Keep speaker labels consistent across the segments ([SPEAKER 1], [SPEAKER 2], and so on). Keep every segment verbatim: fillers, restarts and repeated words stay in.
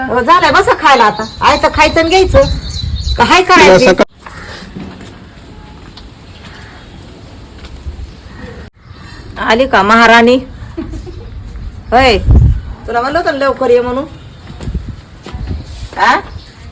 [SPEAKER 1] हो, झालंय बसा खायला आता. आहे तर खायचं आणि घ्यायचं का हाय करायचं. आली का महाराणी? होय, तुला म्हणलं होतं ना लवकर ये म्हणून. हा,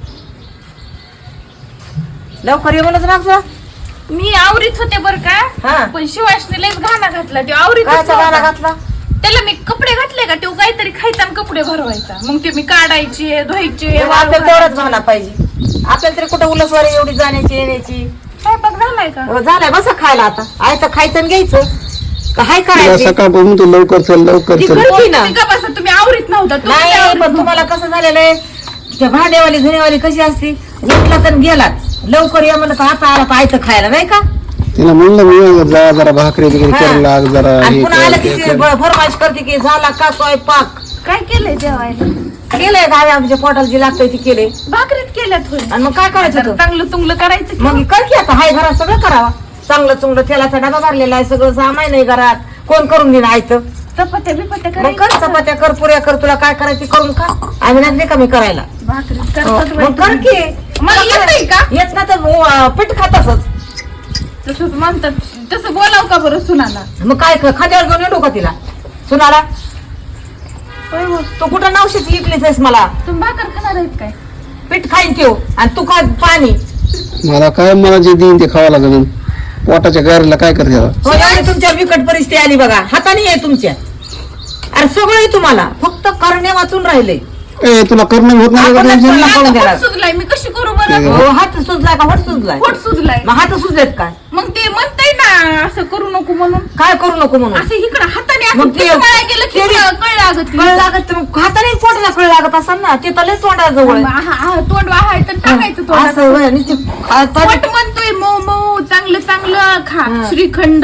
[SPEAKER 1] लवकर ये म्हणत ना.
[SPEAKER 2] मी आवरीत होते बर
[SPEAKER 1] हा.
[SPEAKER 2] का, पण शिवाशने लयच घाणा घातला. ते आवरीत
[SPEAKER 1] कायचा गाणं घातला?
[SPEAKER 2] त्याला मी कपडे घातले का, तो काहीतरी खायचा आणि कपडे भरवायचा. मग ते मी काढायचे, धुवायचे.
[SPEAKER 1] आपल्याला तेवढंच म्हणा पाहिजे. आपल्याला तरी कुठं उलसवारी एवढी जाण्याची येण्याची.
[SPEAKER 2] स्वयंपाक झालाय का?
[SPEAKER 1] हो, झालाय बसा खायला आता. आहे तर खायचं आणि घ्यायचं का हाय करायचं.
[SPEAKER 3] सकाळपासून तू लवकर चल लवकर चल.
[SPEAKER 2] तुम्ही का बसा, तुम्ही आवरीत नव्हता. तुम्ही
[SPEAKER 1] नाही
[SPEAKER 2] आवरीत
[SPEAKER 1] पण तुम्हाला कसं झालेलं आहे, त्या भांडेवाली धुणेवाली कशी असते, उठला तर गेलात लवकर या म्हणलं का आता आला पाहायचं खायला नाही का.
[SPEAKER 3] तिला म्हणलं मी जा जरा भाकरी वगैरे
[SPEAKER 1] हा.
[SPEAKER 3] कर लाग जरा
[SPEAKER 1] आणि
[SPEAKER 3] हे
[SPEAKER 1] पुन्हा
[SPEAKER 3] कर,
[SPEAKER 1] आलं
[SPEAKER 3] ते
[SPEAKER 1] की
[SPEAKER 3] कर.
[SPEAKER 1] फरमाईश करते की झाला का स्वयंपाक.
[SPEAKER 2] काय केलंय जेवायला?
[SPEAKER 1] केलंय का आमच्या पोटाला जी लागतंय ती केले.
[SPEAKER 2] भाकरीत केल्यात होय.
[SPEAKER 1] आणि मग काय करायचं होतं?
[SPEAKER 2] चांगलं तुंगलं करायचं की.
[SPEAKER 1] मग कर की आता हाय घरात सगळं करावा. चांगलं चुंगलं तेलाचा डबा भरलेला आहे, सगळं सामान नाही घरात. कोण करून देईन आयतं?
[SPEAKER 2] चपात्या बिपात्या
[SPEAKER 1] मग कर
[SPEAKER 2] करायचं.
[SPEAKER 1] चपात्या कर, पुऱ्या कर, तुला काय करायची करून खा. आम्ही नाही कमी करायला.
[SPEAKER 2] भाकरीत
[SPEAKER 1] हो,
[SPEAKER 2] करतात
[SPEAKER 1] मग कर
[SPEAKER 2] बाई
[SPEAKER 1] की.
[SPEAKER 2] तुम्ही. मला येतंय का?
[SPEAKER 1] येत ना तर अं, पीठ खात असच.
[SPEAKER 2] तसंच म्हणतात. तसं बोलाव का बरं सुनाला?
[SPEAKER 1] मग काय ख- खाद्यावर घेऊन येतो का तिला सुनाला?
[SPEAKER 2] होय हो.
[SPEAKER 1] तू कुठं नवशीच इकलीच आहेस मला.
[SPEAKER 2] तुम्ही भाकर खाणार आहेत काय?
[SPEAKER 1] पीठ खाईन ठेव आणि तू खा पाणी.
[SPEAKER 3] मला काय मला जे देईन ते खावं लागेल. पोटाच्या गारीला काय करते आता?
[SPEAKER 1] हो, एवढी तुमच्या बिकट परिस्थिती आली बघा. हाताने आहे तुमच्या. अरे सगळं आहे तुम्हाला, फक्त करणे वाचून राहिले.
[SPEAKER 3] ए तुला करणं होत नाही का
[SPEAKER 1] आपणच
[SPEAKER 3] टेन्शन?
[SPEAKER 1] तुला करून
[SPEAKER 2] आता
[SPEAKER 1] देणार.
[SPEAKER 2] पोट सुजलाय, मी कशी करू बरं?
[SPEAKER 1] हो, हात सुजलाय का होट सुजलाय?
[SPEAKER 2] पोट सुजलाय.
[SPEAKER 1] मग हात सुजलेत काय?
[SPEAKER 2] मग ते म्हणताय ना असं करू नको म्हणून.
[SPEAKER 1] काय करू नको म्हणून?
[SPEAKER 2] असं इकडं हाताने असं
[SPEAKER 1] मग ते-
[SPEAKER 2] पिसवायला गेलं की
[SPEAKER 1] ते-
[SPEAKER 2] कळ कळ लागत.
[SPEAKER 1] कळ लागत तर मग हाताने पोटाला कळ लागत असेल ना, ते तले तोंडाजवळ आहे.
[SPEAKER 2] आहा, आहा, तोंड वाहायचं आणि टाकायचं तोंडात.
[SPEAKER 1] असं होय, नुसती हाताने-
[SPEAKER 2] पोट म्हणतोय मऊ मऊ चांगलं चांगलं खा.
[SPEAKER 1] हा.
[SPEAKER 2] श्रीखंड,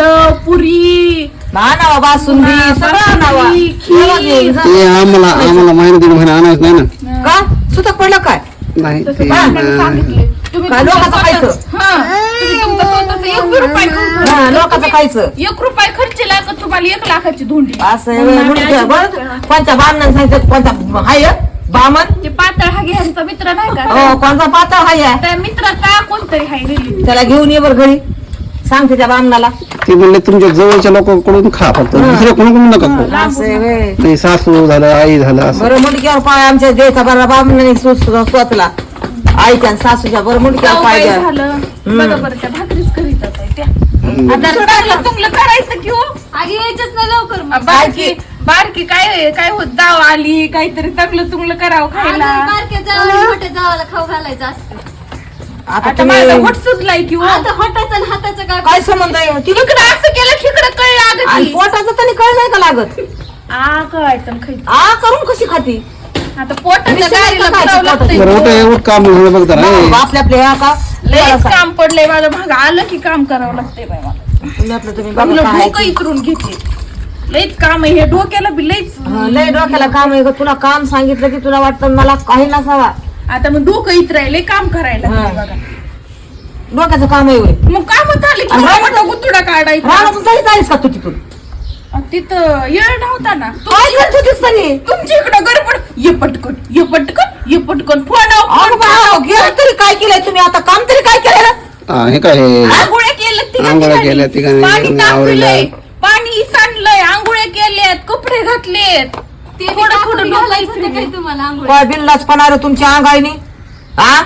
[SPEAKER 2] पुरी,
[SPEAKER 1] आणावा बासुंदी सगळं आणावा.
[SPEAKER 2] बासुंदी, खीर.
[SPEAKER 1] येवा घे, जा.
[SPEAKER 3] ते आम्हाला आम्हाला महिना दीड महिना आणायचं नाही ना.
[SPEAKER 1] का सुतक पडलं काय?
[SPEAKER 3] नाही
[SPEAKER 2] तसं
[SPEAKER 3] ते
[SPEAKER 2] बाबांनी सांगितले. तुम्ही
[SPEAKER 1] काय
[SPEAKER 2] तुमचं
[SPEAKER 1] लोकांचं
[SPEAKER 2] स्वतः-
[SPEAKER 1] खायचं?
[SPEAKER 2] हा. तुम्ही तुमचं स्वतःचं एक बी रुपये खर्च-
[SPEAKER 1] हा, लोकांचं खायचं.
[SPEAKER 2] एक रुपये खर्च लागत तुम्हाला एक लाखाची धोंडी.
[SPEAKER 1] असं आहे
[SPEAKER 2] मग
[SPEAKER 1] होय,
[SPEAKER 2] आम्ही
[SPEAKER 1] म्हणून ते
[SPEAKER 2] अजिबात
[SPEAKER 1] बरं,
[SPEAKER 2] करा.
[SPEAKER 1] कोणत्या बामणानं सांगितलं कोणता हाय बामण?
[SPEAKER 2] ते पातळ हा घ्यायचा मित्र नाही का?
[SPEAKER 1] हो, कोणता पातळ हाय आहे?
[SPEAKER 2] त्या मित्र का कोणतरी हाय रिलेटिव्ह.
[SPEAKER 1] त्याला घेऊन ये बरं घरी. सांगते त्या बामणाला.
[SPEAKER 3] ते म्हणले तुमच्या जवळच्या लोकांकडून खा फक्त दुसऱ्या कोणाकडून नका खाऊ.
[SPEAKER 1] असं आहे होय.
[SPEAKER 3] नाही सासू झालं आई झालं असं.
[SPEAKER 1] बरं मुंडक्यावर पाय आमच्या द्यायचा बरं बामणाने स्वतला आईच्या आणि सासूच्या बरं मुंडक्यावर
[SPEAKER 2] जाऊ
[SPEAKER 1] पाय
[SPEAKER 2] बाई
[SPEAKER 1] द्या.
[SPEAKER 2] झालं. बघा बरं त्या भाकरीच करीत आहे त्या. आता चांगलं तुंगलं करायचं की हो.
[SPEAKER 4] आगी यायचंच ना लवकर मग.
[SPEAKER 2] बारकी बारकी काय काय होत जाव आली काहीतरी चांगलं चुंगलं करावं खायला.
[SPEAKER 4] आता बारक्या जावाला मोठ्या जावाला खाऊ घालायचं असतं.
[SPEAKER 1] आता
[SPEAKER 2] आता माझा
[SPEAKER 1] तुम्ही
[SPEAKER 2] होट सुजलाय की हो.
[SPEAKER 4] आता हटायचं आणि हाताचं काय
[SPEAKER 1] काय संबंध आहे तिला?
[SPEAKER 2] इकडं असं केलं की इकडं कळ लागत
[SPEAKER 1] आणि
[SPEAKER 2] की.
[SPEAKER 1] पोटाचं तरी कळ नाही का लागत?
[SPEAKER 2] आ कळायचं आणि खायचं.
[SPEAKER 1] आ करून कशी खाती?
[SPEAKER 2] आता पोटाच्या
[SPEAKER 1] विसरायचं
[SPEAKER 2] गाडीला
[SPEAKER 1] काय
[SPEAKER 2] करावं
[SPEAKER 1] ते
[SPEAKER 2] लागतंय.
[SPEAKER 3] बरं उठं एवढं काम झालं बघ जरा. ए,
[SPEAKER 1] आपल्या आपल्या ह्या का
[SPEAKER 2] लयच काम पडलंय माझं भाग आलं की काम करावं लागतंय बाई मला.
[SPEAKER 1] तुम्ही आपलं तुम्ही बघा
[SPEAKER 2] आपलं
[SPEAKER 1] काय आहे
[SPEAKER 2] डोकं
[SPEAKER 1] ते.
[SPEAKER 2] इतरून घेते. लयच काम आहे हे डोक्याला बी लयच.
[SPEAKER 1] हं, लय डोक्याला काम आहे ग. तुला काम सांगितलं की तुला वाटतं मला काही नसावा.
[SPEAKER 2] आता मग डोकं इतरायले काम करायला
[SPEAKER 1] हा.
[SPEAKER 2] लागतंय बघा.
[SPEAKER 1] डोक्याचं काम आहे होय.
[SPEAKER 2] मग काम झाले की
[SPEAKER 1] आणि
[SPEAKER 2] मला
[SPEAKER 1] रानात-
[SPEAKER 2] म्हटलं गुतुडा काढायचा.
[SPEAKER 1] रानातून जायचं आहेस का तू तिथून?
[SPEAKER 2] अन तिथं येळ नव्हता ना.
[SPEAKER 1] काय करत होतीस तरी?
[SPEAKER 2] तुमच्या इकडं गडबड ये पटकन ये पटकन ये पटकन फोन
[SPEAKER 1] अगं बाळा, गेलं तरी काय केलंय तुम्ही आता? काम तरी काय केलं?
[SPEAKER 3] हा, हे काय हे?
[SPEAKER 2] आंघोळ्या केल्यात तिघा
[SPEAKER 3] आंघोळ्या
[SPEAKER 2] तिघांनी.
[SPEAKER 3] केल्यात तिघांनी,
[SPEAKER 2] पाणी
[SPEAKER 3] तिघांनी
[SPEAKER 2] तापवलंय
[SPEAKER 3] आवरलं.
[SPEAKER 2] पाणी सांडलंय आंघोळ्या केल्यात कपडे घातलेत.
[SPEAKER 4] ते
[SPEAKER 2] थोडं
[SPEAKER 4] थोडं
[SPEAKER 2] थोडं
[SPEAKER 4] थोडं
[SPEAKER 2] डोकं
[SPEAKER 4] घालायचं होतं
[SPEAKER 2] इकडे.
[SPEAKER 4] काय तुम्हाला आंघोळ?
[SPEAKER 1] काय बिनलाच पणारे तुमच्या अंगाईनी? हा?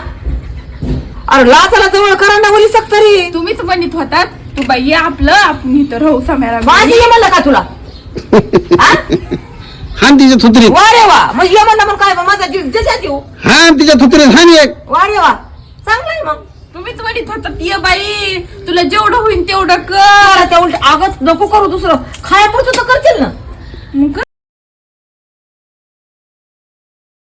[SPEAKER 1] अरे लाचाला जवळ करा ना वली तरी.
[SPEAKER 2] तुम्हीच म्हणत होतात तू बाई ये आपलं आपण इथं राहू समेरा.
[SPEAKER 1] माझी ये म्हणलं का तुला? हा?
[SPEAKER 3] हान तिच्या थुत्रीत
[SPEAKER 1] वा रे वा. मग ये म्हणलं मग काय मग माझा जीव जशा जीव.
[SPEAKER 3] हान तिच्या थुत्रीत हान एक.
[SPEAKER 1] वा रे वा. चांगलंय मग.
[SPEAKER 2] तुम्हीच म्हणत होतात ये बाई तुला जेवढं होईल तेवढं कर.
[SPEAKER 1] मला त्या उलट आगत नको करू दुसरं. खायापुरतं तर करतील ना.
[SPEAKER 2] मग